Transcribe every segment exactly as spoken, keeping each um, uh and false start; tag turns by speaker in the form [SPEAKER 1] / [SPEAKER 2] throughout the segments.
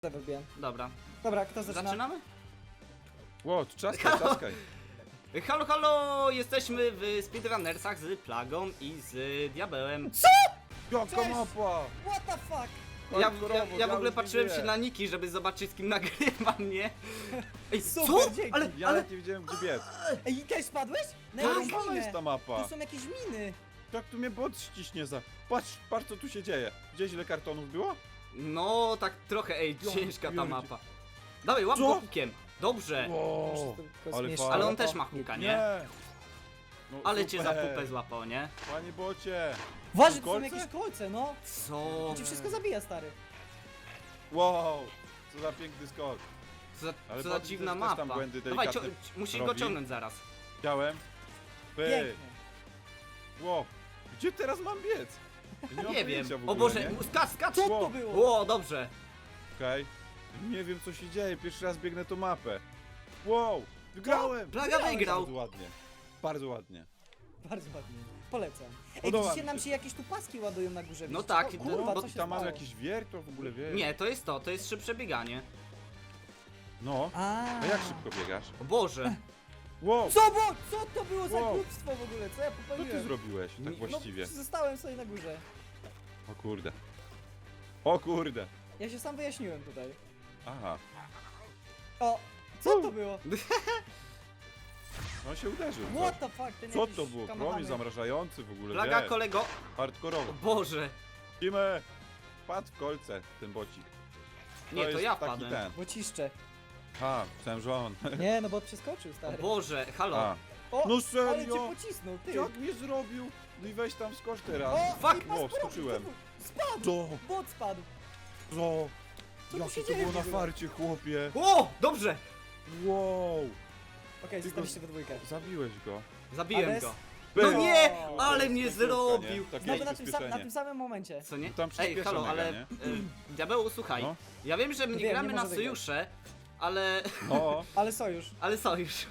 [SPEAKER 1] Wybiłem.
[SPEAKER 2] Dobra.
[SPEAKER 1] Dobra, kto zaczyna?
[SPEAKER 2] Zaczynamy?
[SPEAKER 3] Ło, czaskaj, czaskaj.
[SPEAKER 2] Halo, halo! Jesteśmy w speedrunnersach z Plagą i z Diabełem.
[SPEAKER 3] Jaka
[SPEAKER 1] Cześć!
[SPEAKER 3] mapa!
[SPEAKER 1] What the fuck?
[SPEAKER 2] Ja, ja,
[SPEAKER 3] Hardkorowo,
[SPEAKER 2] ja w ogóle
[SPEAKER 3] już
[SPEAKER 2] patrzyłem
[SPEAKER 3] nie
[SPEAKER 2] się
[SPEAKER 3] wie.
[SPEAKER 2] na niki, żeby zobaczyć z kim nagrywam, nie? Ej,
[SPEAKER 1] Super,
[SPEAKER 2] co?
[SPEAKER 1] dzięki.
[SPEAKER 2] Ale,
[SPEAKER 3] Ja
[SPEAKER 2] ale...
[SPEAKER 3] nawet nie wiedziałem gdzie biec.
[SPEAKER 1] Ej, i też spadłeś? Na
[SPEAKER 3] Tak,
[SPEAKER 1] jakąś
[SPEAKER 3] jest ta
[SPEAKER 1] minę.
[SPEAKER 3] mapa.
[SPEAKER 1] Tu są jakieś miny.
[SPEAKER 3] Tak tu mnie bot ściśnie za... Patrz, patrz co tu się dzieje. Gdzieś ile kartonów było?
[SPEAKER 2] No, tak trochę, ej,
[SPEAKER 3] Ja
[SPEAKER 2] ciężka ta
[SPEAKER 3] pierdzie-
[SPEAKER 2] mapa. Dawaj, łap
[SPEAKER 3] Co?
[SPEAKER 2] go hukiem. Dobrze.
[SPEAKER 3] Wow, ale
[SPEAKER 1] Ale,
[SPEAKER 3] fajnie.
[SPEAKER 2] Ale on też ma huka, nie?
[SPEAKER 3] No,
[SPEAKER 2] Ale cię za
[SPEAKER 3] super.
[SPEAKER 2] pupę złapał, nie?
[SPEAKER 3] Panie bocie.
[SPEAKER 1] Uważaj, tu są
[SPEAKER 3] Kolce?
[SPEAKER 1] jakieś kolce, no.
[SPEAKER 2] Co?
[SPEAKER 1] To ci wszystko zabija, stary.
[SPEAKER 3] Wow, co za piękny skok.
[SPEAKER 2] Co za,
[SPEAKER 3] Ale
[SPEAKER 2] co za
[SPEAKER 3] patrz,
[SPEAKER 2] dziwna
[SPEAKER 3] też tam
[SPEAKER 2] mapa.
[SPEAKER 3] błędy
[SPEAKER 2] Dawaj, cio
[SPEAKER 3] delikatne
[SPEAKER 2] musisz go
[SPEAKER 3] robi.
[SPEAKER 2] ciągnąć zaraz.
[SPEAKER 3] Chciałem. Py.
[SPEAKER 1] Pięknie.
[SPEAKER 3] Wow, gdzie teraz mam biec? Ja mam
[SPEAKER 2] Nie
[SPEAKER 3] pojęcia
[SPEAKER 2] wiem.
[SPEAKER 3] w ogóle,
[SPEAKER 2] O Boże,
[SPEAKER 3] nie?
[SPEAKER 2] skacz, skacz!
[SPEAKER 1] Co
[SPEAKER 3] Wow.
[SPEAKER 1] to było?
[SPEAKER 2] O, dobrze.
[SPEAKER 3] Okej. Nie wiem co się dzieje, pierwszy raz biegnę tą mapę. Wow, wygrałem!
[SPEAKER 2] Plaga
[SPEAKER 1] Wygrałeś.
[SPEAKER 2] wygrał.
[SPEAKER 3] Bardzo ładnie. Bardzo ładnie.
[SPEAKER 1] Bardzo ładnie. Polecam. Ej,
[SPEAKER 3] Podoba
[SPEAKER 1] widzicie,
[SPEAKER 3] mi
[SPEAKER 1] nam
[SPEAKER 3] się.
[SPEAKER 1] się jakieś tu paski ładują na górze.
[SPEAKER 2] No
[SPEAKER 1] widzicie?
[SPEAKER 2] tak,
[SPEAKER 1] O,
[SPEAKER 2] to-
[SPEAKER 1] kurwa,
[SPEAKER 2] bo
[SPEAKER 1] co się
[SPEAKER 3] Tam mam
[SPEAKER 1] stało?
[SPEAKER 3] jakiś wier, to w ogóle wie.
[SPEAKER 2] Nie, to jest to, to jest szybsze bieganie.
[SPEAKER 3] No,
[SPEAKER 1] A,
[SPEAKER 3] a jak szybko biegasz?
[SPEAKER 2] O Boże.
[SPEAKER 3] Wow,
[SPEAKER 1] Co, bo, co to było za
[SPEAKER 3] Wow.
[SPEAKER 1] głupstwo w ogóle? Co ja
[SPEAKER 3] co ty
[SPEAKER 1] popełniłem?
[SPEAKER 3] zrobiłeś tak
[SPEAKER 2] No,
[SPEAKER 3] właściwie?
[SPEAKER 1] No, zostałem sobie na górze.
[SPEAKER 3] O kurde. O kurde.
[SPEAKER 1] Ja się sam wyjaśniłem tutaj.
[SPEAKER 3] Aha,
[SPEAKER 1] O, co to było?
[SPEAKER 3] on się uderzył.
[SPEAKER 1] What
[SPEAKER 3] coś.
[SPEAKER 1] the fuck? Ten
[SPEAKER 3] Co
[SPEAKER 1] jakiś
[SPEAKER 3] to było?
[SPEAKER 1] kamahamy.
[SPEAKER 3] Promień zamrażający w ogóle,
[SPEAKER 2] Plaga
[SPEAKER 3] wie.
[SPEAKER 2] kolego.
[SPEAKER 3] Hardkorowo.
[SPEAKER 2] Boże.
[SPEAKER 3] Lecimy! Wpadł w kolce ten bocik.
[SPEAKER 2] Nie, to
[SPEAKER 3] jest
[SPEAKER 2] ja
[SPEAKER 3] taki
[SPEAKER 2] wpadłem.
[SPEAKER 3] ten.
[SPEAKER 1] Bociszcze.
[SPEAKER 3] Ha, myślałem, że on.
[SPEAKER 1] Nie, no bo przeskoczył,
[SPEAKER 2] O
[SPEAKER 1] stary.
[SPEAKER 2] Boże, halo.
[SPEAKER 3] A.
[SPEAKER 1] O,
[SPEAKER 3] No
[SPEAKER 1] ale
[SPEAKER 3] serio?
[SPEAKER 1] cię pocisnął, ty.
[SPEAKER 3] Jak mnie zrobił? No i weź tam skocz teraz.
[SPEAKER 1] O,
[SPEAKER 2] Fuck!
[SPEAKER 1] i pas
[SPEAKER 3] Wow,
[SPEAKER 1] progi,
[SPEAKER 3] skoczyłem.
[SPEAKER 1] typu, Spadł!
[SPEAKER 3] Co?
[SPEAKER 1] Bot spadł.
[SPEAKER 3] Co?
[SPEAKER 1] Co tu
[SPEAKER 3] Jakie
[SPEAKER 1] się
[SPEAKER 3] to
[SPEAKER 1] dzieje
[SPEAKER 3] było
[SPEAKER 1] w
[SPEAKER 3] na
[SPEAKER 1] ogóle?
[SPEAKER 3] farcie, chłopie.
[SPEAKER 2] O, dobrze.
[SPEAKER 3] Wow.
[SPEAKER 1] Okej,
[SPEAKER 3] Ty
[SPEAKER 1] zostaliście
[SPEAKER 3] go-
[SPEAKER 1] we dwójkę.
[SPEAKER 3] Zabiłeś go.
[SPEAKER 2] Zabiłem
[SPEAKER 1] Ades?
[SPEAKER 2] go.
[SPEAKER 3] Pyk.
[SPEAKER 2] No nie,
[SPEAKER 1] O,
[SPEAKER 2] ale
[SPEAKER 3] to jest
[SPEAKER 2] mnie
[SPEAKER 3] piękniutka,
[SPEAKER 2] zrobił.
[SPEAKER 3] nie? Takie
[SPEAKER 1] Znowu na tym, sam, na
[SPEAKER 3] przyspieszenie.
[SPEAKER 1] tym samym momencie.
[SPEAKER 2] Co nie?
[SPEAKER 3] Tam
[SPEAKER 2] Ej,
[SPEAKER 3] przyspiesza
[SPEAKER 2] halo,
[SPEAKER 3] mega,
[SPEAKER 2] ale...
[SPEAKER 3] nie?
[SPEAKER 2] y, Diabeł, słuchaj.
[SPEAKER 3] No.
[SPEAKER 2] Ja wiem, że my nie
[SPEAKER 1] Wiem,
[SPEAKER 2] gramy
[SPEAKER 1] nie
[SPEAKER 2] na
[SPEAKER 1] może wygrać.
[SPEAKER 2] sojusze, ale...
[SPEAKER 3] No,
[SPEAKER 1] Ale sojusz.
[SPEAKER 2] Ale sojusz.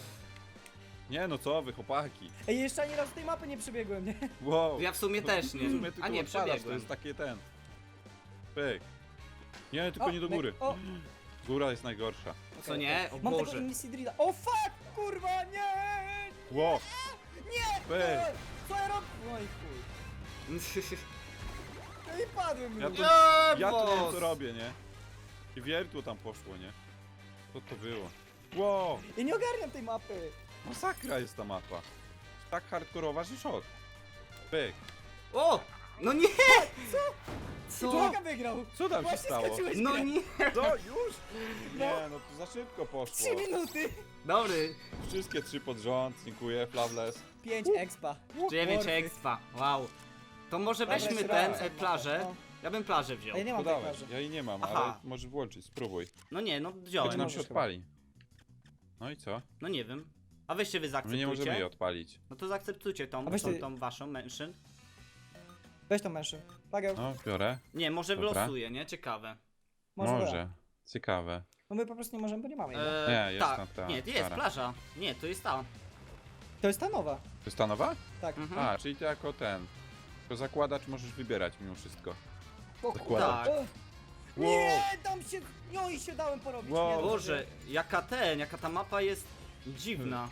[SPEAKER 3] nie no co wy, chłopaki.
[SPEAKER 1] Ej, jeszcze ani razu tej mapy nie przebiegłem, nie?
[SPEAKER 3] Wow.
[SPEAKER 2] Ja w sumie
[SPEAKER 3] No,
[SPEAKER 2] też nie.
[SPEAKER 3] W sumie tylko
[SPEAKER 2] A nie,
[SPEAKER 3] odpadasz, to
[SPEAKER 2] przebiegłem.
[SPEAKER 3] jest takie ten. Pyk. Nie, tylko
[SPEAKER 1] O,
[SPEAKER 3] nie do
[SPEAKER 1] me-
[SPEAKER 3] góry.
[SPEAKER 1] O,
[SPEAKER 3] Góra jest najgorsza.
[SPEAKER 2] Co nie? O
[SPEAKER 1] mam tego
[SPEAKER 2] Boże.
[SPEAKER 1] Invisidrida. O fuck, kurwa, nie!
[SPEAKER 3] Wow.
[SPEAKER 1] Nie!
[SPEAKER 3] Pyk.
[SPEAKER 1] Co ja robię? No i chuj. No i padłem
[SPEAKER 3] Ja
[SPEAKER 1] już.
[SPEAKER 3] to,
[SPEAKER 2] Nie,
[SPEAKER 3] ja to wiem
[SPEAKER 2] boss.
[SPEAKER 3] co robię, nie? I wiertło tam poszło, nie? Co to było? Wow.
[SPEAKER 1] Ja nie ogarniam tej mapy.
[SPEAKER 3] Masakra jest ta mapa. Tak hardkorowa, że szok. Pyk.
[SPEAKER 2] O! No nie!
[SPEAKER 1] Co?
[SPEAKER 2] Co?
[SPEAKER 1] Człowieka wygrał.
[SPEAKER 3] Co tam się
[SPEAKER 1] Właśnie
[SPEAKER 3] stało?
[SPEAKER 1] skończyłeś
[SPEAKER 2] No
[SPEAKER 1] grę.
[SPEAKER 2] nie!
[SPEAKER 3] Co? Już? Nie, no to za szybko poszło.
[SPEAKER 1] Trzy minuty.
[SPEAKER 2] Dobry.
[SPEAKER 3] Wszystkie trzy pod rząd, dziękuję, Flawless.
[SPEAKER 1] Pięć expa.
[SPEAKER 2] dziewięć
[SPEAKER 1] Worthy.
[SPEAKER 2] expa. Wow. To może
[SPEAKER 1] Dobra,
[SPEAKER 2] weźmy
[SPEAKER 1] jeszcze
[SPEAKER 2] ten
[SPEAKER 1] raz.
[SPEAKER 2] e, plażę.
[SPEAKER 1] No.
[SPEAKER 2] Ja bym plażę wziął.
[SPEAKER 1] A ja nie mam tej
[SPEAKER 3] Podałeś,
[SPEAKER 1] plaży.
[SPEAKER 3] ja jej nie mam,
[SPEAKER 2] Aha.
[SPEAKER 3] ale możesz włączyć, spróbuj.
[SPEAKER 2] No nie, no
[SPEAKER 3] Czy
[SPEAKER 2] wziąłem.
[SPEAKER 3] nam się
[SPEAKER 1] możesz
[SPEAKER 3] odpali? No i co?
[SPEAKER 2] No nie wiem. A weźcie wy
[SPEAKER 3] My nie możemy jej
[SPEAKER 2] zaakceptujcie.
[SPEAKER 3] odpalić.
[SPEAKER 2] No to zaakceptujcie tą,
[SPEAKER 1] A weź
[SPEAKER 2] tą,
[SPEAKER 1] ty-
[SPEAKER 2] tą waszą mention.
[SPEAKER 1] Weź tą mężczyzn. Pageł.
[SPEAKER 3] No, biorę.
[SPEAKER 2] Nie, może
[SPEAKER 3] Dobra.
[SPEAKER 2] wylosuję, nie? Ciekawe.
[SPEAKER 1] Może.
[SPEAKER 3] Może.
[SPEAKER 1] Da.
[SPEAKER 3] Ciekawe.
[SPEAKER 1] No my po prostu nie możemy, bo nie mamy jej.
[SPEAKER 2] E,
[SPEAKER 3] Nie, jest
[SPEAKER 2] ta.
[SPEAKER 3] tam ta
[SPEAKER 2] Nie, to jest
[SPEAKER 3] stara.
[SPEAKER 2] plaża. Nie, to jest ta.
[SPEAKER 1] To jest ta nowa.
[SPEAKER 3] To jest ta nowa?
[SPEAKER 1] Tak.
[SPEAKER 2] Mhm.
[SPEAKER 3] A, czyli to jako ten. To zakładacz możesz wybierać mimo wszystko.
[SPEAKER 1] O
[SPEAKER 3] Zakładam.
[SPEAKER 2] Tak.
[SPEAKER 1] Ech. Nie, tam się... No i się dałem porobić.
[SPEAKER 3] Wow.
[SPEAKER 1] Nie,
[SPEAKER 2] Boże, jaka ten, jaka ta mapa jest dziwna.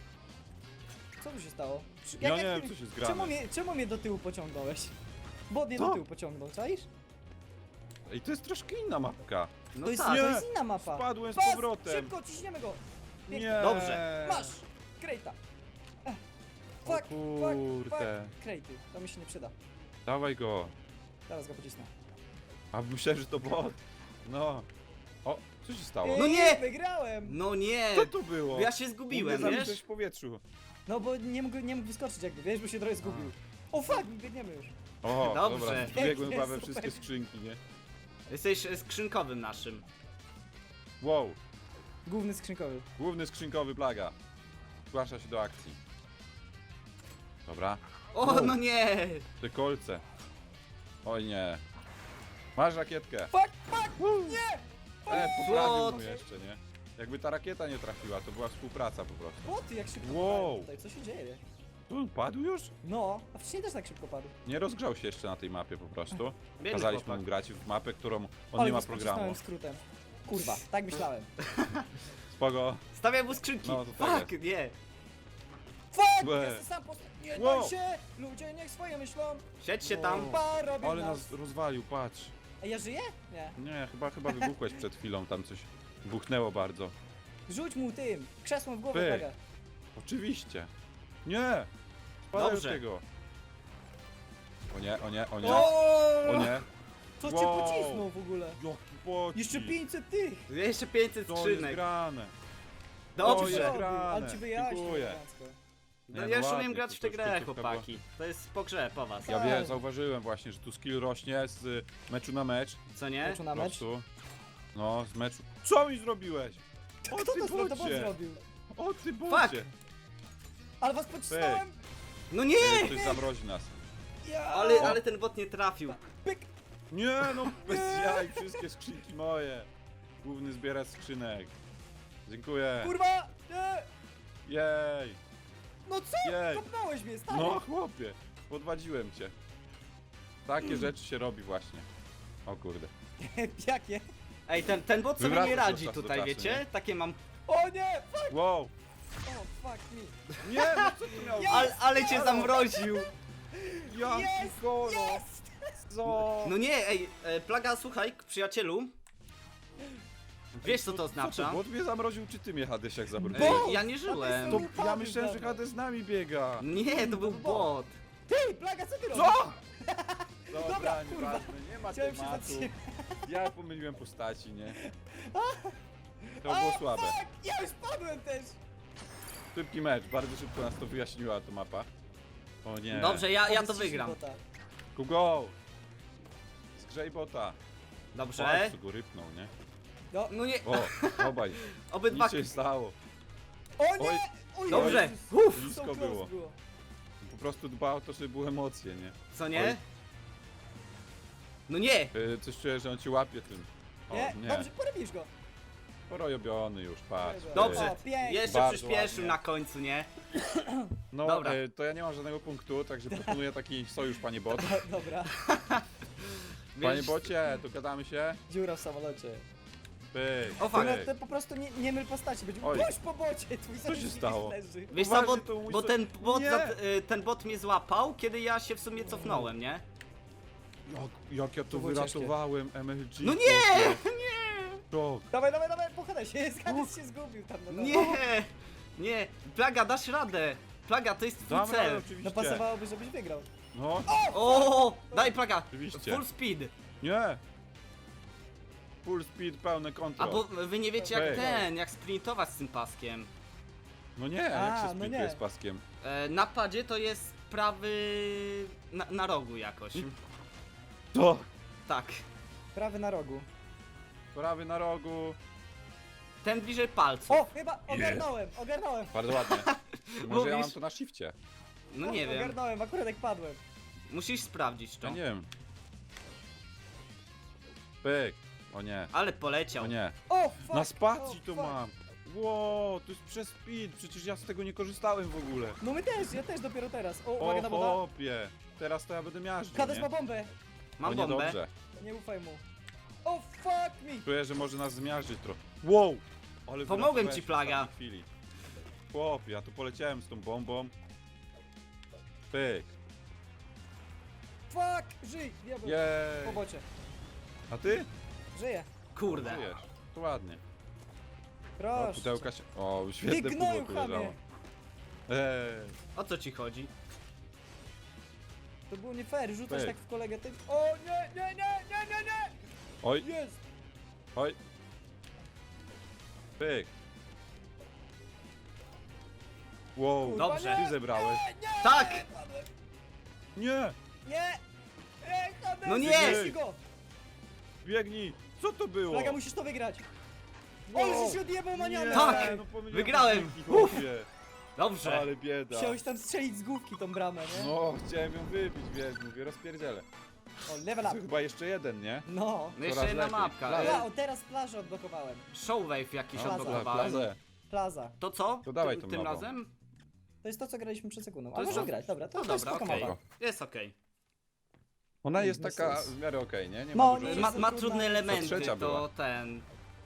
[SPEAKER 1] Co tu się stało? Czy-
[SPEAKER 3] Ja
[SPEAKER 1] jak-
[SPEAKER 3] nie
[SPEAKER 1] jak
[SPEAKER 3] wiem,
[SPEAKER 1] ty-
[SPEAKER 3] co się zgrane.
[SPEAKER 1] Czemu mnie, czemu mnie do tyłu pociągnąłeś? Bo mnie
[SPEAKER 3] Co?
[SPEAKER 1] do tyłu pociągnął, czaisz?
[SPEAKER 3] Ej, to jest troszkę inna mapka.
[SPEAKER 2] No
[SPEAKER 1] To jest,
[SPEAKER 2] tak.
[SPEAKER 3] nie.
[SPEAKER 1] to jest inna mapa.
[SPEAKER 3] Spadłem z
[SPEAKER 1] Pas,
[SPEAKER 3] powrotem.
[SPEAKER 1] Szybko, ciśniemy go. Pięknie.
[SPEAKER 3] Nie.
[SPEAKER 2] Dobrze.
[SPEAKER 1] Masz! Krejta. Ech.
[SPEAKER 3] O
[SPEAKER 1] Fuck, fuck,
[SPEAKER 3] kurde.
[SPEAKER 1] fuck. Krejty, to mi się nie przyda.
[SPEAKER 3] Dawaj go.
[SPEAKER 1] Teraz go pocisnę.
[SPEAKER 3] A myślałem, że to bot. No. O, co się stało?
[SPEAKER 2] No
[SPEAKER 1] Ej,
[SPEAKER 2] nie!
[SPEAKER 1] Wygrałem!
[SPEAKER 2] No nie!
[SPEAKER 3] Co to było?
[SPEAKER 2] Ja się zgubiłem,
[SPEAKER 3] Mnie
[SPEAKER 2] wiesz?
[SPEAKER 3] zawisłeś w powietrzu.
[SPEAKER 1] No bo nie mógł, nie mógł wyskoczyć jakby, wiesz, bo się trochę zgubił. O fuck, biegniemy już.
[SPEAKER 3] O,
[SPEAKER 2] Dobrze.
[SPEAKER 3] dobra, wbiegłem chyba we
[SPEAKER 1] Super.
[SPEAKER 3] wszystkie skrzynki, nie?
[SPEAKER 2] Jesteś e, skrzynkowym naszym.
[SPEAKER 3] Wow,
[SPEAKER 1] Główny skrzynkowy.
[SPEAKER 3] główny skrzynkowy Plaga. Zgłasza się do akcji. Dobra,
[SPEAKER 2] O,
[SPEAKER 3] Wow.
[SPEAKER 2] no nie!
[SPEAKER 3] te kolce. Oj nie. Masz rakietkę.
[SPEAKER 1] Fuck, fuck, nie!
[SPEAKER 3] E, poprawił
[SPEAKER 2] What?
[SPEAKER 3] mu jeszcze, nie? Jakby ta rakieta nie trafiła, to była współpraca po prostu.
[SPEAKER 1] Boty, jak szybko
[SPEAKER 3] Wow.
[SPEAKER 1] padają tutaj, co się dzieje?
[SPEAKER 3] Tu padł już?
[SPEAKER 1] No, a wcześniej też tak szybko padł.
[SPEAKER 3] Nie rozgrzał się jeszcze na tej mapie po prostu.
[SPEAKER 2] Biedny
[SPEAKER 3] Kazaliśmy
[SPEAKER 2] chłopak.
[SPEAKER 3] mu grać w mapę, którą on
[SPEAKER 1] Ale
[SPEAKER 3] nie ma
[SPEAKER 1] go
[SPEAKER 3] programu.
[SPEAKER 1] pocisnąłem skrótem. Kurwa, tak myślałem.
[SPEAKER 3] Spoko.
[SPEAKER 2] Stawiam mu skrzynki.
[SPEAKER 3] No, to tak
[SPEAKER 2] Fuck, nie.
[SPEAKER 1] Fuck!
[SPEAKER 3] Łe.
[SPEAKER 1] Jestem sam posta... Nie
[SPEAKER 3] Wow.
[SPEAKER 1] daj się! Ludzie niech swoje myślą!
[SPEAKER 2] Siedź się
[SPEAKER 3] Wow.
[SPEAKER 2] tam.
[SPEAKER 1] Pa, robią
[SPEAKER 3] Ale
[SPEAKER 1] nas!
[SPEAKER 3] nas rozwalił, patrz.
[SPEAKER 1] A ja żyję? Nie.
[SPEAKER 3] Nie, chyba, chyba wybuchłeś przed chwilą, tam coś buchnęło bardzo.
[SPEAKER 1] Rzuć mu tym! Krzesłem w głowę,
[SPEAKER 3] Pyk.
[SPEAKER 1] plaga.
[SPEAKER 3] Oczywiście. Nie! Spadaj
[SPEAKER 2] Dobrze.
[SPEAKER 3] od tego. O nie, o nie, o nie,
[SPEAKER 2] O!
[SPEAKER 3] o nie.
[SPEAKER 1] Co cię
[SPEAKER 3] Wow.
[SPEAKER 1] pocisnął w ogóle?
[SPEAKER 3] Jaki pocisk.
[SPEAKER 1] Jeszcze pięćset tych!
[SPEAKER 2] Jeszcze pięćset
[SPEAKER 3] To jest
[SPEAKER 2] skrzynek.
[SPEAKER 3] grane.
[SPEAKER 1] Co
[SPEAKER 3] O,
[SPEAKER 1] ci
[SPEAKER 3] jest
[SPEAKER 2] Dobrze.
[SPEAKER 1] zrobił?
[SPEAKER 3] grane.
[SPEAKER 1] Ale ci wyjaśnił
[SPEAKER 3] Dziękuję.
[SPEAKER 1] elegancko.
[SPEAKER 2] No
[SPEAKER 3] Nie,
[SPEAKER 2] ja już
[SPEAKER 3] ładnie,
[SPEAKER 2] umiem grać
[SPEAKER 3] to
[SPEAKER 2] w tę
[SPEAKER 3] już
[SPEAKER 2] grę,
[SPEAKER 3] końcówka była.
[SPEAKER 2] chłopaki. To jest po grze, po was.
[SPEAKER 3] Ja
[SPEAKER 1] Tak.
[SPEAKER 3] wiem, zauważyłem właśnie, że tu skill rośnie z y, meczu na mecz.
[SPEAKER 2] Co nie?
[SPEAKER 1] Meczu na
[SPEAKER 3] Po
[SPEAKER 1] mecz?
[SPEAKER 3] prostu. No, z meczu. Co mi zrobiłeś? O
[SPEAKER 1] Kto
[SPEAKER 3] ty
[SPEAKER 1] to zro- to bot
[SPEAKER 3] bocie!
[SPEAKER 1] zrobił?
[SPEAKER 3] O ty bocie!
[SPEAKER 1] Ale was pocisnąłem!
[SPEAKER 2] No nie!
[SPEAKER 3] Ej, Ktoś zamrozi nas.
[SPEAKER 1] Ja!
[SPEAKER 2] Ale, ale ten bot nie trafił.
[SPEAKER 1] Pyk!
[SPEAKER 3] Nie no, bez jaj, wszystkie skrzynki moje. Główny zbieracz skrzynek. Dziękuję.
[SPEAKER 1] Kurwa! Nie!
[SPEAKER 3] Jej.
[SPEAKER 1] No co?
[SPEAKER 3] Jej.
[SPEAKER 1] Kopnąłeś mnie, stary!
[SPEAKER 3] No chłopie, podwadziłem cię. Takie rzeczy się robi właśnie. O kurde.
[SPEAKER 1] Jakie?
[SPEAKER 2] Ej, ten, ten bot sobie
[SPEAKER 3] Wywracasz
[SPEAKER 2] nie
[SPEAKER 3] od
[SPEAKER 2] radzi
[SPEAKER 3] czasu do
[SPEAKER 2] tutaj,
[SPEAKER 3] czasu,
[SPEAKER 2] wiecie?
[SPEAKER 3] nie?
[SPEAKER 2] Takie mam...
[SPEAKER 1] O nie! Fuck!
[SPEAKER 3] Wow.
[SPEAKER 1] O, fuck me!
[SPEAKER 3] Nie, no co ty miał?
[SPEAKER 1] Ja-
[SPEAKER 2] Ale, ale cię zamroził!
[SPEAKER 3] Jaki
[SPEAKER 1] Jest!
[SPEAKER 3] kolor.
[SPEAKER 1] Jest!
[SPEAKER 3] Co?
[SPEAKER 2] No nie, ej, e, Plaga, słuchaj, przyjacielu. Wiesz co to
[SPEAKER 3] Co
[SPEAKER 2] oznacza?
[SPEAKER 3] to, bot mnie zamroził, czy ty mnie Hadesiak zamroził?
[SPEAKER 1] Bo-
[SPEAKER 2] E, ja nie żyłem.
[SPEAKER 3] To
[SPEAKER 1] Upadł
[SPEAKER 3] ja myślałem, że
[SPEAKER 1] dawno.
[SPEAKER 3] Hades z nami biega.
[SPEAKER 2] Nie, to był bot.
[SPEAKER 1] Ty, plaga, co ty robisz?
[SPEAKER 3] Co?
[SPEAKER 1] Dobra,
[SPEAKER 3] Dobra,
[SPEAKER 1] kurwa.
[SPEAKER 3] nieważne, nie ma
[SPEAKER 1] Chciałem się
[SPEAKER 3] tematu.
[SPEAKER 1] zatrzymać.
[SPEAKER 3] Ja pomyliłem postaci, nie? To
[SPEAKER 1] A,
[SPEAKER 3] było słabe.
[SPEAKER 1] Fuck! Ja już padłem też!
[SPEAKER 3] Szybki mecz, bardzo szybko nas to wyjaśniła ta mapa. O nie.
[SPEAKER 2] Dobrze, ja, ja to
[SPEAKER 1] Powiedz ci,
[SPEAKER 2] wygram.
[SPEAKER 1] żywota.
[SPEAKER 3] Ku go! Zgrzej bota.
[SPEAKER 2] Dobrze.
[SPEAKER 3] Co go rypnął, nie?
[SPEAKER 1] No.
[SPEAKER 2] No nie,
[SPEAKER 3] O, obaj.
[SPEAKER 2] obydwa...
[SPEAKER 3] Nic się stało.
[SPEAKER 1] O
[SPEAKER 3] Oj.
[SPEAKER 1] nie! Oj,
[SPEAKER 2] Dobrze.
[SPEAKER 1] Jezus.
[SPEAKER 2] Uff.
[SPEAKER 3] Blisko
[SPEAKER 1] So close
[SPEAKER 3] było. Po prostu dba o to, żeby były emocje, nie?
[SPEAKER 2] Co
[SPEAKER 3] Oj.
[SPEAKER 2] nie? No nie!
[SPEAKER 3] Yy, coś czuję, że on ci łapie tym. O,
[SPEAKER 1] Nie?
[SPEAKER 3] nie.
[SPEAKER 1] Dobrze, porobisz go.
[SPEAKER 3] Porobiony już, patrz.
[SPEAKER 2] Dobrze.
[SPEAKER 1] O, pięknie.
[SPEAKER 2] Jeszcze
[SPEAKER 3] Bardzo
[SPEAKER 2] przyspieszył
[SPEAKER 3] ładnie.
[SPEAKER 2] na końcu, nie?
[SPEAKER 3] No,
[SPEAKER 2] Dobra.
[SPEAKER 3] e, to ja nie mam żadnego punktu, także proponuję taki sojusz, panie bot.
[SPEAKER 1] Dobra.
[SPEAKER 3] Panie
[SPEAKER 2] Wiesz-
[SPEAKER 3] bocie, dogadamy się?
[SPEAKER 1] Dziura w samolocie.
[SPEAKER 3] Pyk,
[SPEAKER 2] O, fuck.
[SPEAKER 1] No,
[SPEAKER 3] pyk.
[SPEAKER 1] to po prostu nie, nie myl postaci. Będzie
[SPEAKER 3] Oj.
[SPEAKER 1] puść po bocie, twój
[SPEAKER 3] się
[SPEAKER 1] sojusznik
[SPEAKER 3] stało?
[SPEAKER 1] leży.
[SPEAKER 2] Wiesz co,
[SPEAKER 3] Poważnie,
[SPEAKER 2] bo,
[SPEAKER 3] to mój
[SPEAKER 2] bo
[SPEAKER 3] so-
[SPEAKER 2] ten bot,
[SPEAKER 3] Nie.
[SPEAKER 2] za, y, ten bot mnie złapał, kiedy ja się w sumie cofnąłem, nie?
[SPEAKER 3] Jak, jak ja to
[SPEAKER 1] To było
[SPEAKER 3] wyratowałem, M L G.
[SPEAKER 2] No nie!
[SPEAKER 3] Nie! To,
[SPEAKER 1] Dawaj, dawaj, dawaj, pochadaj się, Hades się zgubił tam na dole.
[SPEAKER 2] Nie! Nie! Plaga, dasz radę! Plaga, to jest twój
[SPEAKER 3] damy radę,
[SPEAKER 2] cel!
[SPEAKER 3] oczywiście.
[SPEAKER 1] No pasowałoby, żebyś wygrał.
[SPEAKER 3] No,
[SPEAKER 2] O! Daj Plaga!
[SPEAKER 3] Oczywiście.
[SPEAKER 2] Full speed!
[SPEAKER 3] nie. Full speed, pełne konto.
[SPEAKER 2] A bo wy nie wiecie jak
[SPEAKER 3] Hej.
[SPEAKER 2] ten, jak sprintować z tym paskiem.
[SPEAKER 3] No nie,
[SPEAKER 1] A,
[SPEAKER 3] jak się
[SPEAKER 1] no
[SPEAKER 3] sprintuje
[SPEAKER 1] nie.
[SPEAKER 3] z paskiem.
[SPEAKER 2] E, na padzie to jest prawy... Na, na rogu jakoś.
[SPEAKER 3] To!
[SPEAKER 2] Tak.
[SPEAKER 1] Prawy na rogu.
[SPEAKER 3] Prawy na rogu.
[SPEAKER 2] Ten bliżej palców.
[SPEAKER 1] O, chyba ogarnąłem, ogarnąłem.
[SPEAKER 3] Bardzo ładnie. Może ja
[SPEAKER 2] Mówisz?
[SPEAKER 3] mam to na shifcie.
[SPEAKER 2] No nie
[SPEAKER 1] o,
[SPEAKER 2] wiem.
[SPEAKER 1] Ogarnąłem, akurat jak padłem.
[SPEAKER 2] Musisz sprawdzić
[SPEAKER 3] Ja
[SPEAKER 2] to.
[SPEAKER 3] nie wiem. Pyk. O nie,
[SPEAKER 2] Ale poleciał.
[SPEAKER 3] o nie.
[SPEAKER 1] O, fuck.
[SPEAKER 3] Na spacji
[SPEAKER 1] o,
[SPEAKER 3] to
[SPEAKER 1] fuck.
[SPEAKER 3] mam. Wow, to jest przez speed, przecież ja z tego nie korzystałem w ogóle.
[SPEAKER 1] No my też, ja też dopiero teraz. O, uwaga
[SPEAKER 3] O
[SPEAKER 1] na woda.
[SPEAKER 3] chłopie, teraz to ja będę miażdżył,
[SPEAKER 1] Hades
[SPEAKER 3] nie?
[SPEAKER 1] ma bombę.
[SPEAKER 2] Mam
[SPEAKER 3] o,
[SPEAKER 2] bombę.
[SPEAKER 3] niedobrze.
[SPEAKER 1] Nie ufaj mu. O, fuck me.
[SPEAKER 3] Czuję, że może nas zmiażdżyć trochę. Wow! Ale
[SPEAKER 2] Pomogłem
[SPEAKER 3] wyratowałeś
[SPEAKER 2] ci,
[SPEAKER 3] w
[SPEAKER 2] Plaga.
[SPEAKER 3] ostatniej chwili. Chłopie, ja tu poleciałem z tą bombą. Pyk.
[SPEAKER 1] Fuck, żyj, diabeł. Po
[SPEAKER 3] Jej!
[SPEAKER 1] bocie.
[SPEAKER 3] A ty?
[SPEAKER 1] Żyję.
[SPEAKER 2] Kurde.
[SPEAKER 3] Żyjesz. To ładnie. O,
[SPEAKER 1] Proszę.
[SPEAKER 3] pudełka się... O, świetne
[SPEAKER 1] Ty
[SPEAKER 3] pudło
[SPEAKER 1] gnoju,
[SPEAKER 3] tu
[SPEAKER 1] chamie.
[SPEAKER 3] leżało. Eee.
[SPEAKER 2] O co ci chodzi?
[SPEAKER 1] To było nie fair, rzucasz
[SPEAKER 3] Pyk.
[SPEAKER 1] tak w kolegę tym. O, nie, nie, nie, nie, nie, nie.
[SPEAKER 3] Oj,
[SPEAKER 1] Jest.
[SPEAKER 3] oj. Pyk. Wow,
[SPEAKER 1] Kurwa,
[SPEAKER 2] Dobrze.
[SPEAKER 3] ty zebrałeś.
[SPEAKER 1] Nie, nie,
[SPEAKER 2] Tak!
[SPEAKER 1] nie, padłem.
[SPEAKER 3] Nie!
[SPEAKER 1] Nie. Nie, Hades,
[SPEAKER 2] No nie!
[SPEAKER 1] zbierz go.
[SPEAKER 3] Biegnij! Co to było?
[SPEAKER 1] Plaga, musisz to wygrać.
[SPEAKER 3] Wow.
[SPEAKER 1] O, że się odjebał manianę.
[SPEAKER 2] Tak!
[SPEAKER 3] no pomyliłem
[SPEAKER 2] Wygrałem.
[SPEAKER 3] skrzynki, chłopie.
[SPEAKER 2] Dobrze.
[SPEAKER 3] Ale bieda.
[SPEAKER 1] Chciałeś tam strzelić z główki tą bramę, nie?
[SPEAKER 3] No, chciałem ją wybić, wiesz, mówię, rozpierdzielę.
[SPEAKER 1] O, level
[SPEAKER 3] To
[SPEAKER 1] up.
[SPEAKER 3] chyba jeszcze jeden, nie?
[SPEAKER 1] No.
[SPEAKER 2] No jeszcze
[SPEAKER 3] Coraz
[SPEAKER 2] jedna
[SPEAKER 3] lepiej.
[SPEAKER 2] mapka.
[SPEAKER 3] Plaga.
[SPEAKER 1] Ja,
[SPEAKER 2] E,
[SPEAKER 1] o, teraz plażę odblokowałem.
[SPEAKER 2] Showwave jakiś
[SPEAKER 1] Plaza.
[SPEAKER 2] odblokowałem.
[SPEAKER 3] Plazę.
[SPEAKER 1] Plaza.
[SPEAKER 2] To co?
[SPEAKER 3] To dawaj
[SPEAKER 2] Ty-
[SPEAKER 3] tą
[SPEAKER 2] Tym
[SPEAKER 3] nową.
[SPEAKER 2] razem?
[SPEAKER 1] To jest to, co graliśmy przed sekundą.
[SPEAKER 2] To
[SPEAKER 1] A
[SPEAKER 2] jest
[SPEAKER 1] może
[SPEAKER 2] to-
[SPEAKER 1] grać, dobra, to,
[SPEAKER 2] No
[SPEAKER 1] to jest
[SPEAKER 2] dobra,
[SPEAKER 1] spoko
[SPEAKER 2] okej.
[SPEAKER 1] mapa.
[SPEAKER 2] Jest okej.
[SPEAKER 3] Ona jest
[SPEAKER 1] Bez
[SPEAKER 3] taka
[SPEAKER 1] sensu.
[SPEAKER 3] w miarę okej, nie? Nie
[SPEAKER 1] No,
[SPEAKER 3] ma dużo...
[SPEAKER 1] nie
[SPEAKER 2] Ma,
[SPEAKER 1] jest
[SPEAKER 2] ma
[SPEAKER 1] to
[SPEAKER 2] trudne
[SPEAKER 1] trudna.
[SPEAKER 2] elementy,
[SPEAKER 3] trzecia
[SPEAKER 2] to
[SPEAKER 3] była.
[SPEAKER 2] ten...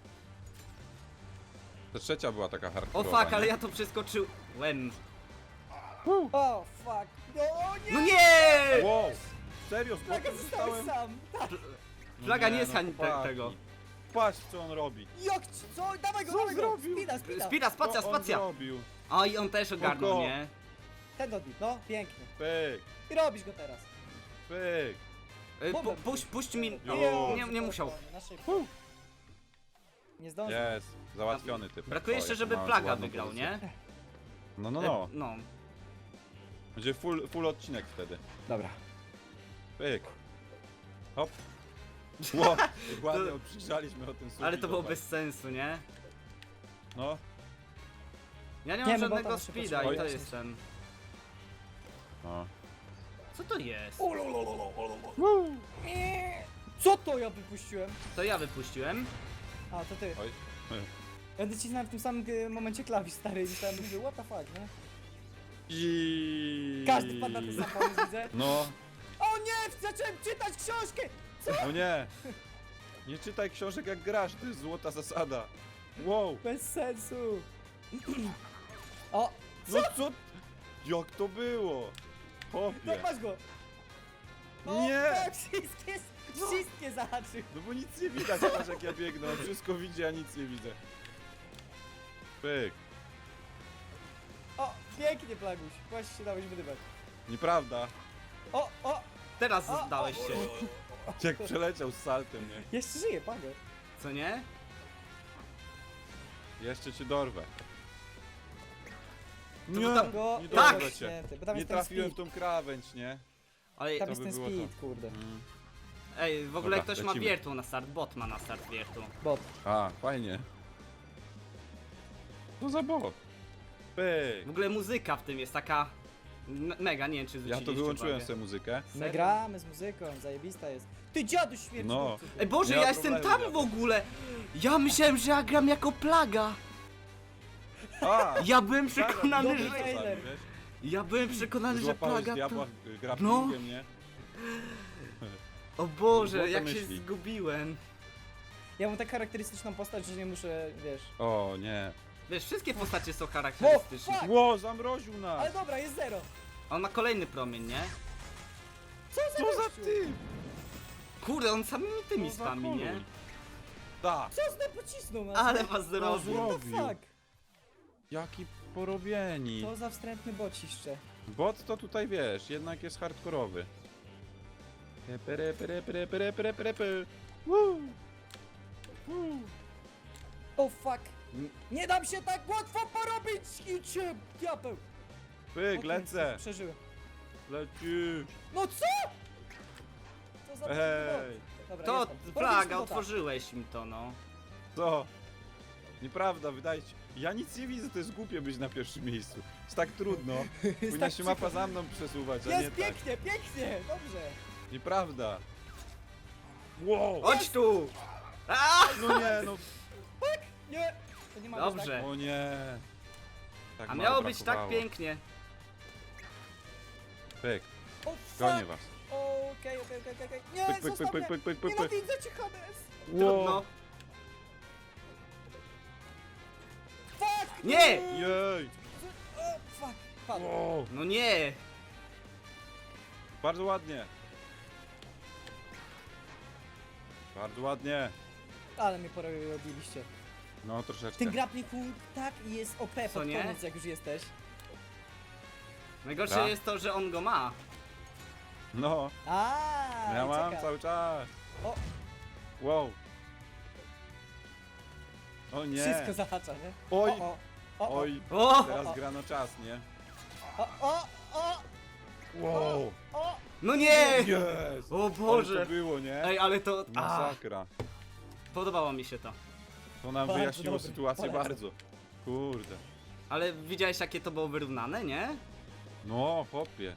[SPEAKER 3] Ta trzecia była taka
[SPEAKER 2] O
[SPEAKER 3] hardkorowa,
[SPEAKER 2] fuck,
[SPEAKER 3] nie?
[SPEAKER 2] ale ja to przeskoczyłem.
[SPEAKER 1] O, fuck. No, o nie!
[SPEAKER 2] No nie!
[SPEAKER 3] Wow! Serio, z
[SPEAKER 1] Plaga,
[SPEAKER 3] boku
[SPEAKER 1] zostałeś
[SPEAKER 3] zostałem?
[SPEAKER 1] sam. Tak.
[SPEAKER 2] Flaga
[SPEAKER 3] No
[SPEAKER 2] nie
[SPEAKER 3] no,
[SPEAKER 2] schań te,
[SPEAKER 3] chłopaki.
[SPEAKER 2] tego.
[SPEAKER 3] Patrz, co on robi.
[SPEAKER 1] Jak, ci- co? Dawaj go,
[SPEAKER 3] Co
[SPEAKER 1] dawaj go.
[SPEAKER 3] zrobił?
[SPEAKER 1] Spina, spina.
[SPEAKER 2] Spira, spacja,
[SPEAKER 3] Co on
[SPEAKER 2] spacja.
[SPEAKER 3] zrobił?
[SPEAKER 2] O, i on też ogarnął,
[SPEAKER 3] Oko.
[SPEAKER 2] nie?
[SPEAKER 1] Ten odbit, no, pięknie.
[SPEAKER 3] Pyk,
[SPEAKER 1] I robisz go teraz.
[SPEAKER 3] pyk.
[SPEAKER 2] E,
[SPEAKER 1] Bombę.
[SPEAKER 2] pu, puść, puść mi...
[SPEAKER 3] Jo.
[SPEAKER 2] Nie, nie musiał.
[SPEAKER 1] Na szybko. Nie zdążył.
[SPEAKER 3] Jest, załatwiony typ.
[SPEAKER 2] Brakuje
[SPEAKER 3] O,
[SPEAKER 2] jeszcze,
[SPEAKER 3] jaką
[SPEAKER 2] żeby
[SPEAKER 3] ma
[SPEAKER 2] Plaga
[SPEAKER 3] ładną
[SPEAKER 2] wygrał,
[SPEAKER 3] pozycję.
[SPEAKER 2] nie?
[SPEAKER 3] No, no,
[SPEAKER 2] E,
[SPEAKER 3] no.
[SPEAKER 2] No.
[SPEAKER 3] Będzie full, full odcinek wtedy.
[SPEAKER 1] Dobra.
[SPEAKER 3] Pyk. Hop. Ło, ładnie odprzygrzaliśmy o tym sufit.
[SPEAKER 2] Ale to było
[SPEAKER 3] zobacz.
[SPEAKER 2] bez sensu, nie?
[SPEAKER 3] No,
[SPEAKER 2] Ja nie
[SPEAKER 1] Nie,
[SPEAKER 2] mam
[SPEAKER 1] no bo
[SPEAKER 2] żadnego
[SPEAKER 1] tam się
[SPEAKER 2] speeda i to
[SPEAKER 1] potrzebuje.
[SPEAKER 2] jest ten...
[SPEAKER 3] no.
[SPEAKER 2] Co to jest?
[SPEAKER 1] Nie. Co to ja wypuściłem?
[SPEAKER 2] To ja wypuściłem.
[SPEAKER 1] A, to ty.
[SPEAKER 3] Oj.
[SPEAKER 1] Ja nacisnąłem w tym samym y, momencie klawisz, stary, i myślałem, że what the fuck, nie?
[SPEAKER 3] I...
[SPEAKER 1] Każdy wpadł na ten sam pomysł, widzę.
[SPEAKER 3] No,
[SPEAKER 1] O nie! Zacząłem czytać książkę!
[SPEAKER 3] no nie. Nie czytaj książek jak grasz, to jest złota zasada. Wow.
[SPEAKER 1] Bez sensu. O!
[SPEAKER 3] No co? Jak to było?
[SPEAKER 1] No
[SPEAKER 3] Chłopie.
[SPEAKER 1] masz go! O,
[SPEAKER 3] Nie.
[SPEAKER 1] tak, wszystkie, wszystkie zahaczył.
[SPEAKER 3] No bo nic nie widać, patrz jak ja biegnę. On wszystko widzi, a nic nie widzę. Pyk.
[SPEAKER 1] O, pięknie, Plaguś. Właśnie się dałeś wydybać.
[SPEAKER 3] Nieprawda.
[SPEAKER 1] O, o!
[SPEAKER 2] Teraz
[SPEAKER 1] O,
[SPEAKER 2] zdałeś
[SPEAKER 1] o,
[SPEAKER 2] się.
[SPEAKER 3] Jak przeleciał z saltem, nie?
[SPEAKER 1] Jeszcze żyje, Pago.
[SPEAKER 2] Co nie?
[SPEAKER 3] Jeszcze cię dorwę.
[SPEAKER 2] To
[SPEAKER 3] Nie,
[SPEAKER 2] tam-
[SPEAKER 1] Go,
[SPEAKER 3] nie
[SPEAKER 2] Tak!
[SPEAKER 3] dorwę cię.
[SPEAKER 1] Święty, bo tam
[SPEAKER 3] Nie
[SPEAKER 1] jest ten
[SPEAKER 3] trafiłem w
[SPEAKER 1] speed.
[SPEAKER 3] tą krawędź, nie?
[SPEAKER 2] Ale...
[SPEAKER 1] Tam
[SPEAKER 3] to
[SPEAKER 1] jest
[SPEAKER 3] by
[SPEAKER 1] ten
[SPEAKER 3] było
[SPEAKER 1] speed,
[SPEAKER 3] to.
[SPEAKER 1] kurde.
[SPEAKER 3] Mm.
[SPEAKER 2] Ej, w ogóle
[SPEAKER 3] Dobra,
[SPEAKER 2] ktoś ma
[SPEAKER 3] lecimy.
[SPEAKER 2] wiertu na start, bot ma na start wiertu.
[SPEAKER 1] Bot.
[SPEAKER 3] A, fajnie. Co za bot? Pyk.
[SPEAKER 2] W ogóle muzyka w tym jest taka... m- Mega, nie wiem czy
[SPEAKER 3] Ja
[SPEAKER 2] zwróciliście
[SPEAKER 3] to wyłączyłem
[SPEAKER 2] uwagę.
[SPEAKER 3] sobie muzykę.
[SPEAKER 1] My
[SPEAKER 2] Serio?
[SPEAKER 1] gramy z muzyką, zajebista jest. Ty dziadu śmierci.
[SPEAKER 3] No.
[SPEAKER 2] Ej Boże,
[SPEAKER 3] Nie ma
[SPEAKER 2] ja jestem
[SPEAKER 3] problemu,
[SPEAKER 2] tam
[SPEAKER 3] ja-
[SPEAKER 2] w ogóle! Ja myślałem, że ja gram jako Plaga!
[SPEAKER 3] A!
[SPEAKER 2] Ja byłem przekonany,
[SPEAKER 1] dobry
[SPEAKER 2] że...
[SPEAKER 1] trailer.
[SPEAKER 2] Ja byłem przekonany, że
[SPEAKER 3] Złapałeś
[SPEAKER 2] Plaga
[SPEAKER 3] diabła
[SPEAKER 2] to...
[SPEAKER 3] y, grapplingiem, nie?
[SPEAKER 2] O Boże,
[SPEAKER 3] Było to
[SPEAKER 2] jak się
[SPEAKER 3] myśli.
[SPEAKER 2] zgubiłem.
[SPEAKER 1] Ja mam tak charakterystyczną postać, że nie muszę, wiesz.
[SPEAKER 3] O nie.
[SPEAKER 2] Wiesz, wszystkie postacie są charakterystyczne.
[SPEAKER 1] O, fuck!
[SPEAKER 3] Ło, zamroził nas!
[SPEAKER 1] Ale dobra, jest zero.
[SPEAKER 2] On ma kolejny promień, nie?
[SPEAKER 1] Co za
[SPEAKER 3] Co za
[SPEAKER 1] gościu?
[SPEAKER 3] ty?
[SPEAKER 2] Kurde, on samymi tymi
[SPEAKER 3] Co za
[SPEAKER 2] spami, nie?
[SPEAKER 3] koluj? Tak.
[SPEAKER 1] Co zna pocisnął nas?
[SPEAKER 2] Ale was
[SPEAKER 3] No,
[SPEAKER 2] zrobił.
[SPEAKER 3] zło-
[SPEAKER 1] What the fuck?
[SPEAKER 3] Jaki porobieni.
[SPEAKER 1] Co za wstrętny bociszcze.
[SPEAKER 3] Bot to tutaj wiesz, jednak jest hardkorowy. Pere, pere, pere, pere, pere, pere, pere. Woo. Woo.
[SPEAKER 1] O fuck. Nie dam się tak łatwo porobić i cię diabeł.
[SPEAKER 3] Pyk,
[SPEAKER 1] Okej,
[SPEAKER 3] lecę.
[SPEAKER 1] Przeżyłem.
[SPEAKER 3] Lecisz.
[SPEAKER 1] No co? Co za
[SPEAKER 3] Ej,
[SPEAKER 1] Dobra,
[SPEAKER 2] To
[SPEAKER 1] jestem. Porobiliśmy
[SPEAKER 2] Plaga,
[SPEAKER 1] bota.
[SPEAKER 2] otworzyłeś mi to, no.
[SPEAKER 3] co? Nieprawda, wydaje ci. Ja nic nie widzę, to jest głupie być na pierwszym miejscu. Jest tak trudno. Powinna
[SPEAKER 1] tak
[SPEAKER 3] się mapa
[SPEAKER 1] przykro.
[SPEAKER 3] za mną przesuwać, a nie
[SPEAKER 1] Jest
[SPEAKER 3] tak.
[SPEAKER 1] pięknie, pięknie, dobrze.
[SPEAKER 3] Nieprawda. Wow.
[SPEAKER 2] Chodź tu! A!
[SPEAKER 3] No nie, no.
[SPEAKER 1] Nie, to nie ma
[SPEAKER 2] Dobrze.
[SPEAKER 3] O nie. Tak
[SPEAKER 2] A
[SPEAKER 3] mało
[SPEAKER 2] miało być tak
[SPEAKER 3] brakowało.
[SPEAKER 2] pięknie.
[SPEAKER 3] Pyk,
[SPEAKER 1] Tak. O
[SPEAKER 3] gonię
[SPEAKER 1] fuck.
[SPEAKER 3] was.
[SPEAKER 1] Okej, okej, okej, okej. Nie,
[SPEAKER 3] Pyk, pyk, pyk,
[SPEAKER 1] zostaw
[SPEAKER 3] pyk,
[SPEAKER 1] mnie.
[SPEAKER 3] pyk, pyk, pyk, pyk.
[SPEAKER 1] Nienawidzę cię, Hades.
[SPEAKER 2] Trudno.
[SPEAKER 1] Fuck.
[SPEAKER 2] Nie!
[SPEAKER 3] Jej.
[SPEAKER 1] O, fuck. Padł.
[SPEAKER 3] Wow.
[SPEAKER 2] No nie!
[SPEAKER 3] Bardzo ładnie. Bardzo ładnie.
[SPEAKER 1] Ale mnie porobiliście.
[SPEAKER 3] No troszeczkę.
[SPEAKER 1] Ten grappling hook tak jest O P
[SPEAKER 2] Co
[SPEAKER 1] pod
[SPEAKER 2] nie?
[SPEAKER 1] koniec, jak już jesteś.
[SPEAKER 2] Najgorsze
[SPEAKER 3] Tak.
[SPEAKER 2] jest to, że on go ma.
[SPEAKER 3] No,
[SPEAKER 1] A,
[SPEAKER 3] ja
[SPEAKER 1] i
[SPEAKER 3] mam
[SPEAKER 1] czeka.
[SPEAKER 3] cały czas.
[SPEAKER 1] O,
[SPEAKER 3] Wow. O nie.
[SPEAKER 1] wszystko zahacza, nie?
[SPEAKER 3] Oj.
[SPEAKER 1] O, o, o, o,
[SPEAKER 3] Oj.
[SPEAKER 2] O!
[SPEAKER 3] Teraz
[SPEAKER 1] o.
[SPEAKER 3] grano czas, nie?
[SPEAKER 1] o, o, o,
[SPEAKER 3] Wow.
[SPEAKER 1] o.
[SPEAKER 2] No nie!
[SPEAKER 3] Jest.
[SPEAKER 2] O
[SPEAKER 3] Ale
[SPEAKER 2] Boże!
[SPEAKER 3] to było, nie?
[SPEAKER 2] Ej, ale to... A,
[SPEAKER 3] Masakra.
[SPEAKER 2] podobało mi się to.
[SPEAKER 3] To nam
[SPEAKER 1] Bardzo
[SPEAKER 3] wyjaśniło
[SPEAKER 1] dobry,
[SPEAKER 3] sytuację
[SPEAKER 1] polecam.
[SPEAKER 3] bardzo. Kurde.
[SPEAKER 2] Ale widziałeś jakie to było wyrównane, nie?
[SPEAKER 3] No, chłopie.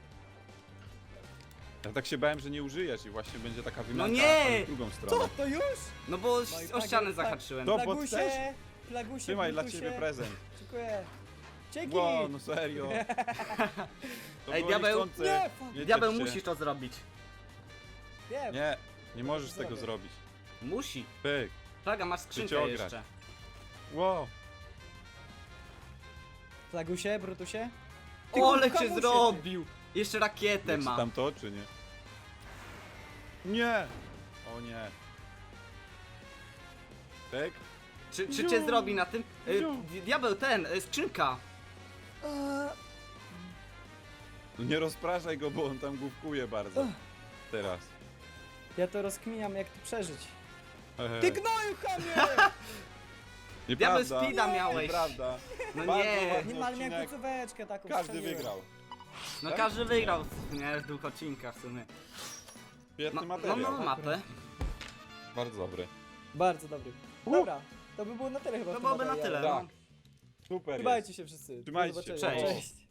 [SPEAKER 3] Ja tak się bałem, że nie użyjesz i właśnie będzie taka wymianka
[SPEAKER 2] nie!
[SPEAKER 3] ale w drugą stronę.
[SPEAKER 1] Co, to już?
[SPEAKER 2] No bo
[SPEAKER 1] No i
[SPEAKER 2] o
[SPEAKER 1] tak,
[SPEAKER 2] ścianę
[SPEAKER 1] tak.
[SPEAKER 2] zahaczyłem.
[SPEAKER 3] To- bot
[SPEAKER 1] Plagusie,
[SPEAKER 3] też?
[SPEAKER 1] plagusie,
[SPEAKER 3] Trzymaj dla
[SPEAKER 1] Bluetoothie.
[SPEAKER 3] ciebie prezent.
[SPEAKER 1] Dziękuję. Dzięki!
[SPEAKER 3] Wow, no serio. To
[SPEAKER 2] Ej,
[SPEAKER 3] było
[SPEAKER 2] diabeł.
[SPEAKER 3] niechcące.
[SPEAKER 1] Nie, fuck.
[SPEAKER 3] Nie
[SPEAKER 2] Diabeł,
[SPEAKER 3] ciesz się.
[SPEAKER 2] musisz to zrobić.
[SPEAKER 1] Wiem.
[SPEAKER 3] Nie, nie możesz tego
[SPEAKER 1] Zrobię.
[SPEAKER 3] zrobić.
[SPEAKER 2] Musi.
[SPEAKER 3] Pyk.
[SPEAKER 2] Plaga, masz
[SPEAKER 3] cię
[SPEAKER 2] skrzynkę
[SPEAKER 3] ograć.
[SPEAKER 2] jeszcze.
[SPEAKER 3] Wow.
[SPEAKER 1] Flagusie, Brutusie? Ty,
[SPEAKER 2] Ole
[SPEAKER 1] kurwa,
[SPEAKER 2] cię
[SPEAKER 1] musie,
[SPEAKER 2] zrobił! Jeszcze rakietę
[SPEAKER 3] Jak
[SPEAKER 2] ma.
[SPEAKER 3] tam to, czy nie? Nie! O nie. Pyk.
[SPEAKER 2] Czy, czy
[SPEAKER 3] Ziu.
[SPEAKER 2] cię zrobi na tym? Y,
[SPEAKER 3] Ziu.
[SPEAKER 2] di- Diabeł, ten, y, skrzynka.
[SPEAKER 1] ty. Eee,
[SPEAKER 3] No nie rozpraszaj go, bo on tam główkuje bardzo.
[SPEAKER 1] Ugh.
[SPEAKER 3] Teraz.
[SPEAKER 1] Ja to rozkminiam, jak tu przeżyć.
[SPEAKER 3] Hehe.
[SPEAKER 1] Ty gnoju, chamie!
[SPEAKER 2] Diabeł
[SPEAKER 3] Nieprawda.
[SPEAKER 2] speeda miałeś.
[SPEAKER 3] Nieprawda.
[SPEAKER 2] No
[SPEAKER 3] Bardzo
[SPEAKER 2] nie.
[SPEAKER 3] ładny
[SPEAKER 1] Nie, ale miałem
[SPEAKER 3] odcinek.
[SPEAKER 1] końcóweczkę taką.
[SPEAKER 3] Każdy
[SPEAKER 1] strzeliłem.
[SPEAKER 3] wygrał.
[SPEAKER 2] No
[SPEAKER 3] Tak?
[SPEAKER 2] każdy wygrał, nie? W dwóch odcinkach w sumie.
[SPEAKER 3] Świetny
[SPEAKER 2] No, no,
[SPEAKER 3] materiał.
[SPEAKER 2] no mapę.
[SPEAKER 3] Bardzo dobry.
[SPEAKER 1] Bardzo dobry. Dobra, to by było na tyle chyba.
[SPEAKER 2] To
[SPEAKER 1] w tym
[SPEAKER 2] byłoby na tyle,
[SPEAKER 1] materiale.
[SPEAKER 2] no.
[SPEAKER 3] Super jest.
[SPEAKER 1] Trzymajcie się wszyscy. Do
[SPEAKER 3] Trzymajcie się.
[SPEAKER 1] zobaczenia.
[SPEAKER 2] Cześć.
[SPEAKER 1] Cześć.